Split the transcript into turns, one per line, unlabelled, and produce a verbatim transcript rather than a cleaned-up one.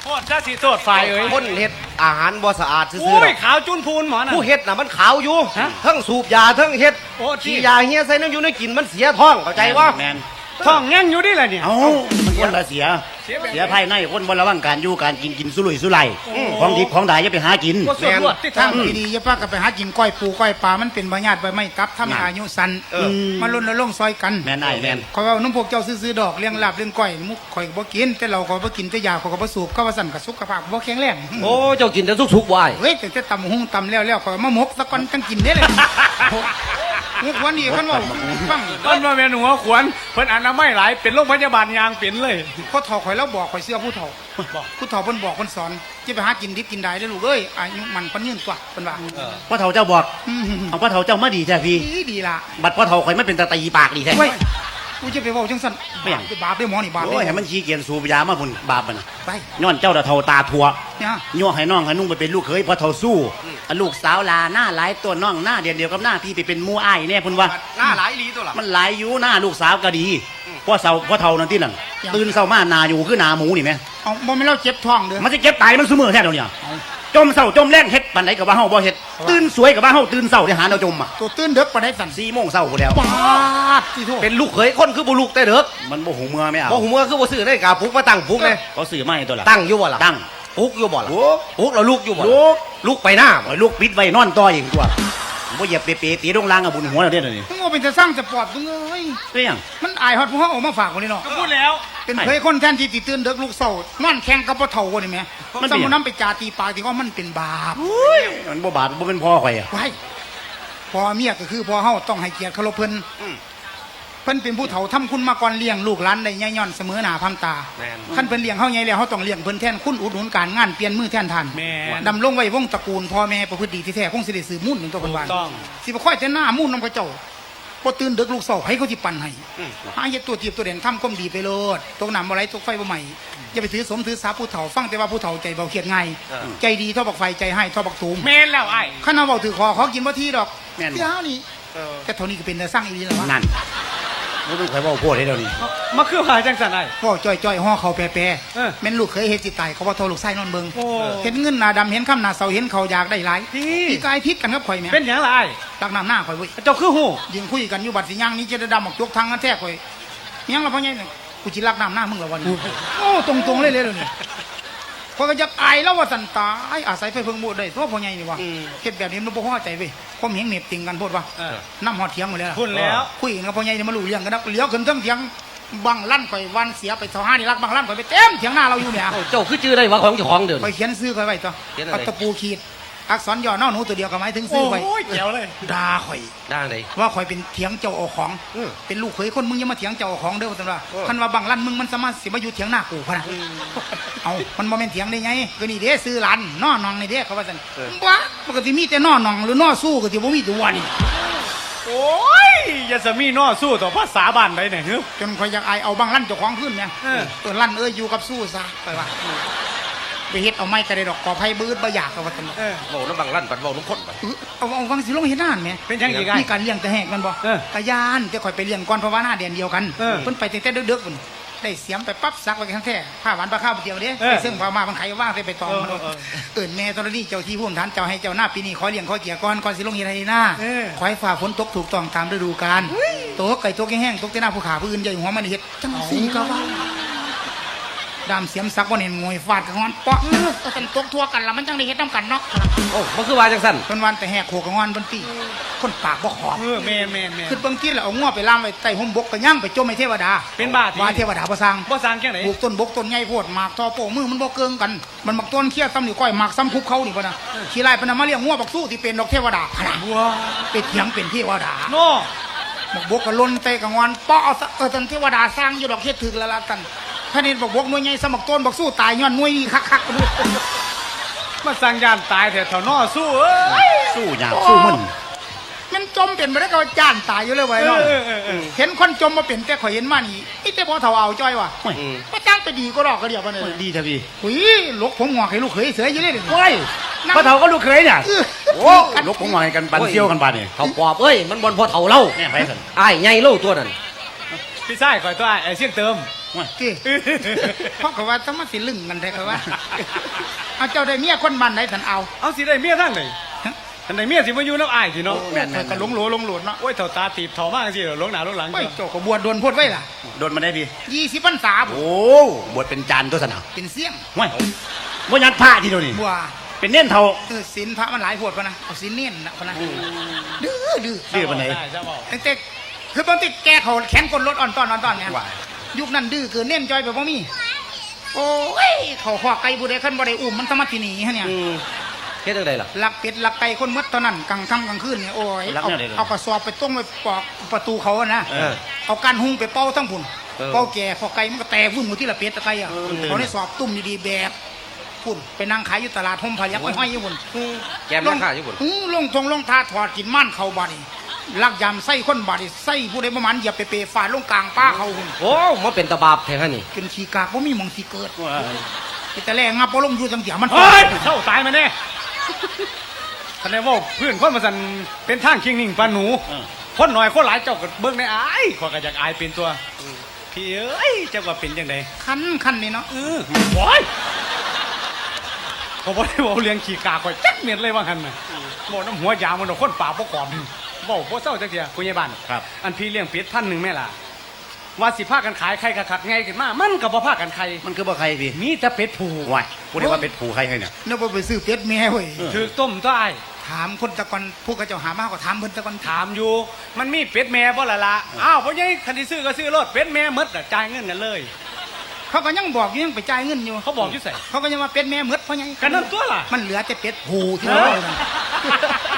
โทษจ้าสีโทษฝ่ายเอ้ย
คนเฮ็ดอาหารบ่สะอาดซื่อๆ
อุ้ยขาวจุนพูนหมอน่ะ
ผู้เฮ็ดน่ะมันขาวอยู่ทั้งสูบยาทั้งเฮ็ดขี้ยาเฮียใส่น้ำอยู่ในกินมันเสียท้องเข้าใจว่า
แมน
ท้องแง่งอยู่ดิแหละเนี่ย
เอ้ามันคนละเสียเสียภายในคนบนระวังการอยู่การกินกินสุรุ่ยสุร่ายของดิบของด่าอย่าไปหากิน
ก็สวดรวดที่
ทา
ทาง ง
ดีๆอย่าพากันไปหากินก้อยปูก้อยปลามันเป็นบาญาติใบไม้ตับทำให้อายุสั้นมาล้นละลงซอยกัน
แม่นไอ้แม่น
ขอยว่าน้ำพวกเจ้าซื้อๆดอกเลี้ยงลาบเลี้ยงก้อยมุกข่อยบ่กินแต่เราก็บ่กินแต่ยาข่อยก็บ่สูบก็ว่าสั่นกับสุขภาพบ่แข็งแรง
โอ้เจ้ากินแต่สุกๆวาย
เฮ้ยแต่ตำหุ้งตำแล้วแล้วข่อยมาหมกตะกอนจังกินได้เลยมุกวันนี้คันว่าฟัง
ต้นมาเมียหนูขวนเพิ่นอนามัยหลายเป็นโรงพยาบาลยางเป็นเลย
พ่อเฒ่าข่อยแล้วบอกข่อยเสื้อผู้เฒ่าผู้เฒ่าเพิ่นบอกเพิ่นสอนจะไปหากินดิบกินได้เด้อลูกเอ้ยอายุมันปานยืนกว่าเพิ่นว่า
พ่อเฒ่าเจ้าบอกเอาพ่อเฒ่าเจ้ามาดีแท้พี่
ดีดีล่ะ
บัดพ่อเฒ่าข่อยไม่เป็นตาตีปากดีแท้
เว้ยกูจะไปบอกจังซั่น
ไม่หยัง
บาปได้หมอนี่บาป
โอ้ย
ได้
ให้มันชี้เกียนสูบยามาพุ่นบาปมัน
ไป
ย้อนเจ้าตาเฒ่าตาทัว
เนี่ย
ย่อให้น้องให้นุ่งไปเป็นลูกเขยพ่อเฒ่าสู้อันลูกสาวลาหน้าหลายตัวน้องหน้าเดียวเดียวกับหน้าพี่ไปเป็นมู่อ้ายแน่พุ่นว่า
หน้าหลายลีตัวล่ะ
มันหลายอยู่หน้าลูกสาวก็ดีพ่อเฒ่าพ่อเฒ่านั่นที่นั่นตื่นเช้ามาหนาอยู่คือหนาหมูนี่แม่
เอาบ่แม่นเราเจ็บท้องเด้อ
มันจะเก็บตายมันซุมือแท้เดี๋ยวนี้จมเศร้าจมแรงเฮ็ดปานไหนกับว่าเฮาบ่เฮ็ดตื่นสวยกับว่าเฮาตื่นเศร้าที่หาแนวจมอ่ะ
ตัวตื่นเด็กปานใดสั่น
สี่โมงเศร้าพุ่นแล้ว
ปาดที่โทษ
เป็นลูกเขยคนคือบ่ลูกแต่เด้อ
มันบ่หูเมื่อไม่เอา
บ่หูเมื่อคือบ่ซื้อได้กาปลุกมาตั้งปลุกเลย
เขาซื้อมาให้ตัวละ
ตั้งอยู่บ่ล่ะ
ตั้ง
ปลุกอยู่บ่ล่ะ
โอ้
ปลุกแล้วลูกอยู่บ่ล่ะ
ลูก
ลูกไปหน้าบ่
โอ้ยลูกปิดไว้นอนต่อเองตัวบ่เหยียบเปๆตีลงล่างกับบุญหัวแล้วเด้อนี่
มึงว่าเป็นจะสร้างสปอร์ตมึงเอ้ย
เรื่อง
มันอายฮอดพวกเฮาออกมาฝากคนนี้เนาะ
ก็พูดแล้ว
เป็นเคยคนแทนที่ติตื่นเด็กลูกเศร้านอนแข่งกับพ่อเฒ่าคนนี้แหมสมมุตินำไปจาตีปากที่ว่ามันเป็นบาป
มันบ่บาดบ่เป็นพ่อข่อยอ่ะ
ไว้พ่อเมียก็คือพ่อเฮาต้องให้เกียรติเคารพเพิ่นเพิ่นเป็นผู้เฒ่าทำคุณมาก่อนเลี้ยงลูกหลานได้ย่ย่อนเสมอหน้าพามตา
แม่น
ขั้นเพิ่นเลี้ยงเฮาใหญ่แล้วเฮาต้องเลี้ยงเพิ่นแทนคุณอุดหนุนการงานเปลี่ยนมือแทนท่าน
แม่น
ดำรงไว้วงตระกูลพ่อแม่ประพฤติดีที่แท้คงสิได้สืบมุ่นถึงตัวเพิ่นว่า
ถูกต้อง
สิบ่ค่อยแต่หน้ามุ่นนำกระเจ้าบ่ตื่นดึกลูกเศร้าให้เขาสิปั่นให้หาเฮ็ดตัวทีบตัวเด่นทำก้มดีไปโลดตกน้ำบ่ไหลตกไฟบ่ไหม้อย่าไปถือสมถือสาผู้เฒ่าฟังแต่ว่าผู้เฒ่าใจเบาเครียดง่ายใจดีเท่าบักไฟใจให้เท่าบักตูม
แม่นแล้วไอ้
คันเอาเว้าถือคอขอกินบ่ทีดอก
แม่น
เดี๋ยวนี่แต่เท่านี้ก็เป็นแต่สร้างอีหลีแล้ววะ
นั่นบ่ต้องข่อยเว้าโพดให้เดี๋ยวนี้
มาคือหาจังสันไอ้
พ่อจ้อยๆห่อเขาแปร
เออ
ๆแม่นลูกเคยเฮ็ดสิตายเขาว่าโทรลูกไส้นอนเบิ่ง
โอ้
เห็นเงินหน้าดำเห็นค่ำหน้าเสาเห็นเขาอยากได้หลาย
ที่
พี่กายพิษกันกับข่อยแม่
เป็นหยังล่ะไอ้
ตักน้ำหน้าข่อยเว้ย
เจ้าคือหู
ยืนคุยกันอยู่บัดสิย่างนี้จะได้ดำออกจกทางกันแท้ข่อยเมียงละพ่อใหญ่เนี่ยกูจิรักน้ำหน้ามึงละวันนี้โอ้ตรงๆเลยเลยเดี๋ยวนี้พอยก็จะอายแล้วว่าสันตายอาศัยไฟเพิ่งบูดได้ตัวพ่อใหญ่นี่วะเฮ็ดแบบนี้มันบ่พอใจเว้ยความเห็นเหน็บติงกันโพดว่า
เออ
น้ำหอดเถียงหมดแล้วล่ะ
พูดแล้ว
คุยกันกับพ่อใหญ่นี่มารู้เรื่องกันนะเลี้ยวขึ้นเทั้งเถียงบังลั่นข่อยวันเสียไปเท่าห้านี่รักบังลั่นข่อยไปเต็มเถียงหน้าเราอยู่เนี่ย
เจ้าคือชื่อได้ว่าของเจ้าของเดิน
ข่อยเขียนซื้อข่อยไว้ตัว
เขียนอะไร
เอาตะปูขีดอักษรย่อน้อหนูตัวเดียวก็หมายถึงซื้อไว้
โอ้ยเจ๋วเลย
ด่าข่อย
ด้านไหน
ว่าข่อยเป็นเถียงเจ้าเอาของ
อืม
เป็นลูกเขยคนมึงอยังมาเถียงเจ้าเอาของเด้อว่าซั่นว่า
เออ
คันว่าบังลั่นมึงมันสามารถสิมาอยู่เถียงหน้ากูพะนะเอามันบ่แม่นเถียงได้ไงก็นี่เด้ซื้อหลานน้อนองนี่เด้เขาว่าซั่นบ้าปกติมีแต่น้อนองหรือน้อสู้ก็สิบ่มีตัวนี่
โอ้ยอย่าสมีน้อสู้ต่อภาษาบ้านได้เนี่ยเฮ้ย
จนข่อยอยากอายเอาบังลั่นเจ้าของขึ้นเนี่ย
เออ
เออลั่นเอ้ยอยู่กับสู้ซะไปว่าไปเฮ็ดเอาไม้ก็ได้ดอกกอไผ่บืดบ่อยากเขาว่าซั่น
เออ
เว้าน้ำบังลั่นปัดเว้าน้ำข้นไป
เออเอาเอาฟังสิลงเฮ็ดนานแหม
เป็นยังอีกไง
มีการเลี้ยงแต่แหกกันบ่
เออก
ะยานแต่ข่อยไปเลี้ยงก่อนเพราะว่าหน้าเดือนเดียวกัน
เออ
เพิ่นไปตั้งแต่ดึกๆพุ่นได้เสียมไปปั๊บซักไว้ทั้งแท้ผ้าหวานปลาข้าวเดียวเด้
เออ
ไปซึ่งพามามันไขว่างใส่ไปตองมัน
เออเออ
เอิ้นแม่ตอนนี้เจ้าที่ผู้ฐานเจ้าให้เจ้าหน้าปีนี้ขอเลี้ยงขอเกียรก่อนก่อนสิลงเฮ็ดให้หน้า
เออ
ขอให้ฝ่าฝนตกถูกต้องตามฤดูกาลตกไก่ตกแห้งๆตกแต่หน้าผู้ขาผู้อื่นใหญ่หัวมันเฮ็ดจังซี่ก็ว่าดามเสียมซักบ่เห็นงวยฟาดกับงอนเปาะเออเอากันตกทั่วกันแล้วมันจังได้เฮ็ดนํกันเนาะ
โอ้มันคือว่าจังสั่น
เพิ่นวันแต่แหกโขกกับงอนเพิ่นตีคนปากบ่ขอบ
เออแม่นแม่นแม่น
คือเบิ่งกินแล้วเอาง้อไปล่ามไว้ใต้ห่มบกก็ย่างไปจมให้เทวดา
เป็นบ้าที่
ว่าเทวดาบ่สร้าง
บ่สร้างแค่ไหน
ปลูกต้นบกต้นใหญ่โพดหมากทอโป้มือมันบ่เกิงกัน มันบักต้นเคี้ยซ้ำนี่ก้อยหมากซ้ำคุบเขานี่บ่นะขี้ไล่เพิ่นเอามาเลี้ยงงัวบักสู้ที่เป็นดอกเทวดาขนาด
ว้า
ไปเถียงเป็นเทวดา
โน่
บักบกก็ล้นเตะกับงอนเปาะเอาซะเออท่านเทวดาสร้างอยู่ดอกเฮ็ดถึกแล้วล่ะกันท่านนี่บักบกหน่วยใหญ่สมักต้นบักสู้ตายย้อนหน่วยนี่คักๆกันด้วย
มาสร้างยานตายแถวแถวน้อสู้เอ้ย
สู้ยากสู้มึน
มันจมเป็นบ่ได้ก็จ้านตายอยู่เลยไว้เนาะ
เออเออเออ
เห็นคนจมมาเป็นแต่ข่อยเห็นมานี่นี่แต่พอเฒ่าเอาจ้อยว่ะ
โอ้ย
ก็จ้างไปดีก็ดอกก็เดียวกันเลย
ดีแท้พี่
หุยลูกผมงอกให้ลูกเขยเสืออยู่เลยเดี๋ยวนี้
โอ้ยพ่อเฒ่าก็ลูกเคยเนี่ย
เออ
โอ้ลูกผมมาให้กันปันเซี่ยวกันบาดนี่
เขาปอบเอ้ยมันบนพอเฒ่าเล่า
แม่ไปสั่น
อ้ายใหญ่เล่าตัวนั้น
พี่ชายคอยตัวไอ้เสียงเติม
ที่เพราะเขาว่าต้องมาสิลึงกันแท้เขาว่าเอาเจ้าได้เมียคนบ้านไหนสันเอา
เอาสิได้เมียทั้งไหนทันได้เมียสิมาอยู่น้ำอายสิเนาะ
แม่นก็หลงโหลหลงโหลดเนาะ
โอ้ยเถ่าตาตีบเถ่ามากสิหลงหนาหลงหลัง
โอ้ยเจ้าก็บวชโดนพูดไว้ล่ะ
โดนมาได้พี่
ยี่สิบพรรษาบ่
โอ้บวชเป็นจานตัวสนาม
เป็นเสี่ยง
ไม่บ่ยัดผ้าทีเดียวนี่
บัว
เป็นเน่นเท่า
เออศีลพระมันหลายโพดพะนะเอาศีลเน้นนะพะนะดื้อดื้อ
ดื้อปานไหน
ตั้งแต่คือบางทีแกเขาแขนกดรถอ่อนตอนอ่อนตอนเนี่ยยุคนั้นดื้อเกินเน้นจอยแบบว่ามีโอ้ยเขาขวาไก่บุได้ขึ้นบ่ได้อุ้มมันสมัติหนีฮะเนี่ย
อืมเฮ็ดจังไดล่ะ
ลักเป็ดลักไก่คนมดเท่านั้นกลางค่ำกลางคืนเนี่ยโอ้ย
ลัก
เอา
แนวใดล่ะ
เอากระสอบไปต้มไปปอกประตูเขาอะนะ
เออ
เอาการหุงไปเป่าทั้งพุ่น
เออ
เป่าแก่พอไก่มันก็แตกวุ่นหมดที่ละเป็ดตะไก่อะ
เออมันตื่น
เขาได้สอบตุ้มดีๆแบบพุ่นไปนั่งขายอยู่ตลาดห่มพายักห้อยๆอยู่พุ่น
แกมราคาอยู่พุ่น
อื้อลงทงลงทาถอดกินม่านเขาบาดนีลักยำไส้คนบาดนีไส้ผู้ใดประมาณเหยียบเปๆฟาดลงกลางป้าเขาหุ่น
โอ้มาเป็นตะบาบแท้ฮะนี่
กินขี้กากว่ามีหมองสีเกิดแต่แรกงับปลงอยู่จังเสียมัน
เฮ้ยเข้าตายมาแน่ทันได้ว่าเพื่อนคนมาสันเป็นทางคิงนิ่งปานหนู
เออ
คนหน่อยคนหลายเจ้าก็เบิ่งในอายขอยก็อยากอายเป็นตัวพี่เอ้ยเจ้าว่าเป็นจังได
คันคันนี่เนาะ
เออโอ้ยเขาบอกได้บอกเลี้ยงขี่กาข่อยจักเม็ดเลยว่าหันน่ะบอกน้ำหัวยาวมันเอาคนป่าบ่กอมบอกบ่เศร้าจักเทียคุณยายบ้าน
ครับ
อันพี่เลี้ยงเป็ดพันหนึ่งแม่ล่ะว่าสิพากันขายไข่คักๆไงขึ้นมามันก็บ่พากันไข่
มันคือบ่ใครพี่
มีแต่เป็ดผู
วายพูดได้ว่าเป็นผูใครให้เนี่ย
นึกว่าไปซื้อเป็ดแม่เว้ย
เออ
ถือต้มต้าย
ถามคนตะกอนพวกกระเจ้าหามากกว่าถามเพิ่นตะกอน
ถามอยู่มันมีเป็ดแม่บ่ล่ะล่ะอ้าวบ่ยังคันที่ซื้อก็ซื้อรถเป็ดแม่หมดน่ะจ่ายเงินกันเลย
เขาก็ยังบอกอยู่ยังไปจ่ายเงินอยู่
เขาบอกอยู่ใส่
เขาก็ยังว่าเป็ดแม่หมดเพราะหยัง
กันนั่นตัวล่ะ
มันเหลือแต่เป็ดหูที่เราเอานั่น